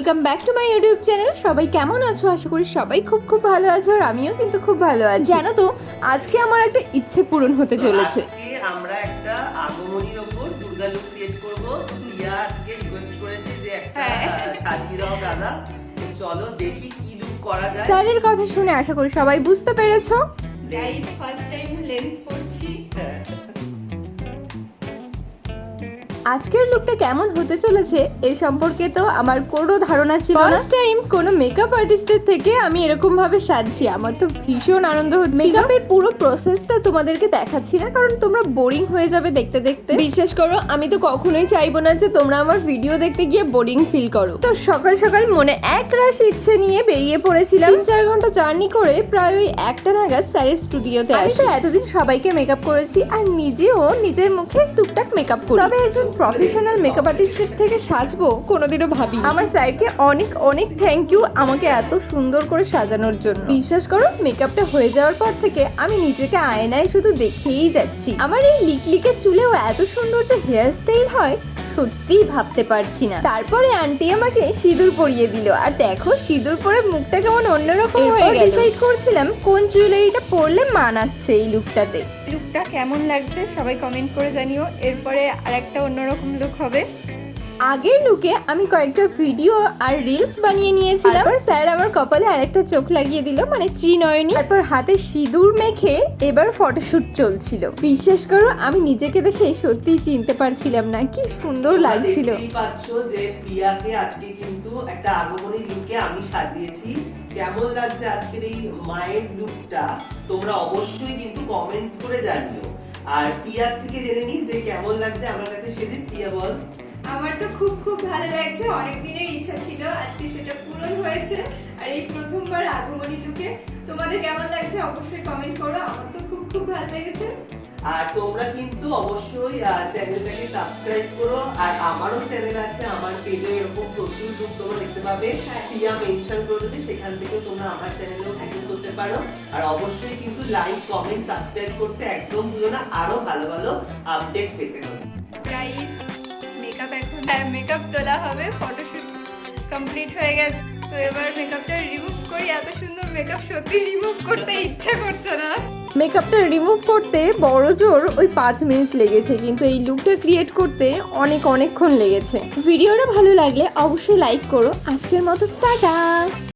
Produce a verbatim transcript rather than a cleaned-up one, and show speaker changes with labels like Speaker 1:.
Speaker 1: Welcome back to my YouTube channel. সবাই কেমন আছো? আশা করি সবাই খুব খুব ভালো আছো, আর আমিও কিন্তু খুব ভালো আছি। জানো তো, আজকে আমার একটা ইচ্ছে পূরণ হতে চলেছে।
Speaker 2: আজকে আমরা একটা আগমনীর উপর দুর্গা লুক ক্রিয়েট করব। তো প্রিয়া আজকে রিকোয়েস্ট করেছে যে একটা সাজিয়ে দাও দাদা। তো চলো দেখি কি লুক করা যায়।
Speaker 1: স্যারের কথা শুনে আশা করি সবাই বুঝতে পেরেছো।
Speaker 3: গাইস ফার্স্ট টাইম লেন্স পড়ছি।
Speaker 1: আজকের লুকটা কেমন হতে চলেছে এই সম্পর্কে তো আমার কোনো ধারণা ছিল না। ফার্স্ট টাইম কোনো মেকআপ আর্টিস্টের থেকে আমি এরকম ভাবে সাজছি, আমার তো ভীষণ আনন্দ হচ্ছে। মেকআপের পুরো প্রসেসটা তোমাদেরকে দেখাচ্ছি না, কারণ তোমরা বোরিং হয়ে যাবে দেখতে দেখতে। বিশ্বাস করো, আমি তো কখনোই চাইবো না যে তোমরা আমার ভিডিও দেখতে গিয়ে বোরিং ফিল করো। তো সকাল সকাল মনে এক রাশ ইচ্ছে নিয়ে বেরিয়ে পড়েছিলাম। তিন চার ঘন্টা জার্নি করে প্রায় ওই একটা নাগাদ স্যারের স্টুডিওতে আসি। এতদিন সবাইকে মেকআপ করেছি আর নিজেও নিজের মুখে টুকটাক মেকআপ করি, তবে একজন প্রফেশনাল মেকআপ আর্টিস্টের থেকে সাজবো কোনোদিনও ভাবি। আমার স্যারকে অনেক অনেক থ্যাংক ইউ আমাকে এত সুন্দর করে সাজানোর জন্য। বিশ্বাস করো, মেকআপটা হয়ে যাওয়ার পর থেকে আমি নিজেকে আয়নায় শুধু দেখেই যাচ্ছি। আমার এই লিকলিকে চুলেও এত সুন্দর যে হেয়ার স্টাইল হয়, সত্যিই ভাবতে পারছি না। তারপরে আন্টি আমাকে সিঁদুর পরিয়ে দিল, আর দেখো সিঁদুর পরে মুখটা কেমন অন্যরকম হয়ে গেল। ডিসাইড করছিলাম কোন জুয়েলারিটা পরলে মানাচ্ছে এই লুকটাতে।
Speaker 3: লুকটা কেমন লাগছে সবাই কমেন্ট করে জানিও। এরপরে আরেকটা অন্যরকম লুক হবে।
Speaker 1: আগের লুকে আমি কয়েকটা ভিডিও আর রিলস বানিয়ে নিয়েছিলাম। তারপর স্যার আমার কপালে আরেকটা চোখ লাগিয়ে দিল, মানে ত্রিনয়নী। তারপর হাতে সিঁদুর মেখে এবার ফটোশুট চলছিল। বিশ্বাস করো, আমি নিজেকে দেখে সত্যিই চিনতে পারছিলাম না, কি সুন্দর লাগছিল।
Speaker 2: দেখতেই পাচ্ছো যে প্রিয়াকে আজকে কিন্তু একটা আগমনী লুকে আমি সাজিয়েছি। কেমন লাগছে আজকের এই মায়ের লুকটা তোমরা অবশ্যই কিন্তু কমেন্টস করে জানিও। আর প্রিয়ার থেকে জেনে নিই যে কেমন লাগছে আমার কাছে সেজে। প্রিয়া বল।
Speaker 3: আমার তো খুব খুব ভালো লাগছে, অনেক দিনের ইচ্ছা ছিল, আজকে সেটা পূরণ হয়েছে। আর এই প্রথমবার আগমনী লুকে তোমাদের কেমন লাগছে অবশ্যই কমেন্ট করো। আমার তো খুব খুব ভালো লেগেছে।
Speaker 2: আর তোমরা কিন্তু অবশ্যই চ্যানেলটাকে সাবস্ক্রাইব করো। আর আমারও চ্যানেল আছে, আমার পেজে এরকম প্রচুর লুক তোমরা দেখতে পাবে। প্রিয়া মেনশন করে দেবে, সেখান থেকেও তোমরা আমার চ্যানেলেও ভিজিট করতে পারো। আর অবশ্যই কিন্তু লাইক কমেন্ট সাবস্ক্রাইব করতে একদম ভুলো না, আরো ভালো ভালো আপডেট পেতে হবে।
Speaker 3: গাইস মেকআপ এখন মেকআপ তোলা হবে, ফটোশুট কমপ্লিট হয়ে গেছে। তো এবার মেকআপটা রিমুভ করি। এত সুন্দর মেকআপ সত্যি রিমুভ করতে ইচ্ছা করছে না।
Speaker 1: মেকআপটা রিমুভ করতে বড় জোর ওই পাঁচ মিনিট লেগেছে, কিন্তু এই লুকটা ক্রিয়েট করতে অনেক অনেকক্ষণ লেগেছে। ভিডিওটা ভালো লাগলে অবশ্যই লাইক করো। আজকের মতো টাটা।